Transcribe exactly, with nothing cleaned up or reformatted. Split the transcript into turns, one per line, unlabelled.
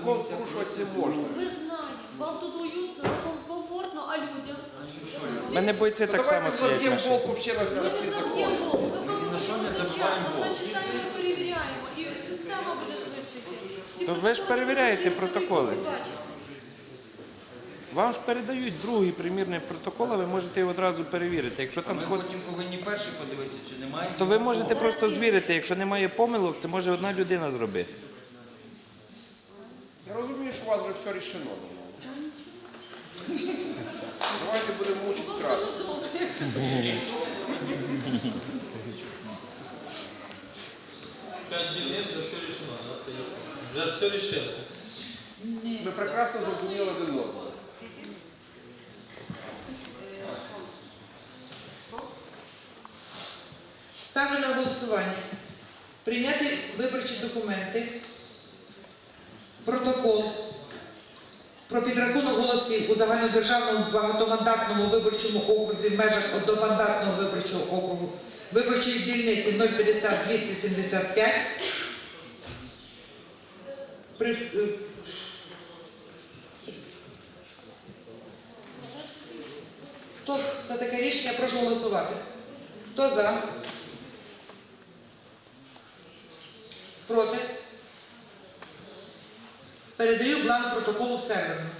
Закон порушувати не можна.
Ми знаємо, вам тут уютно, вам комфортно, а людям?
У мене бойці
Ну,
так само
давайте
сидять
заб'ємо
наші.
болт вообще на
Ми
всі
не
всі закони.
заб'ємо голову, ми просто будемо час, ми читаємо і перевіряємо, і система буде швидше йти. Ці
То ви ж
протоколи
перевіряєте
будуть
протоколи.
бачити.
Вам ж передають другий примірний протокол, а ви можете його одразу перевірити. Якщо там
Ми
сход...
потім повинні перші подивитися, чи немає.
то ви можете просто звірити. Якщо немає помилок, це може одна людина зробити.
Я розумію, що у вас вже все рішено. Давайте будемо мучити красу.
П'ять днів вже все рішено, да? Вже все рішили.
Ми прекрасно зрозуміли один одного.
Ставлю на голосування. Прийняти виборчі документи, протокол про підрахунок голосів у загальнодержавному багатомандатному виборчому окрузі в межах одномандатного виборчого округу виборчої дільниці нуль п'ятдесят двісті сімдесят п'ять. При... е, Хто за таке рішення? Прошу голосувати. Хто за? Проти? Передаю бланк протоколу в сервер.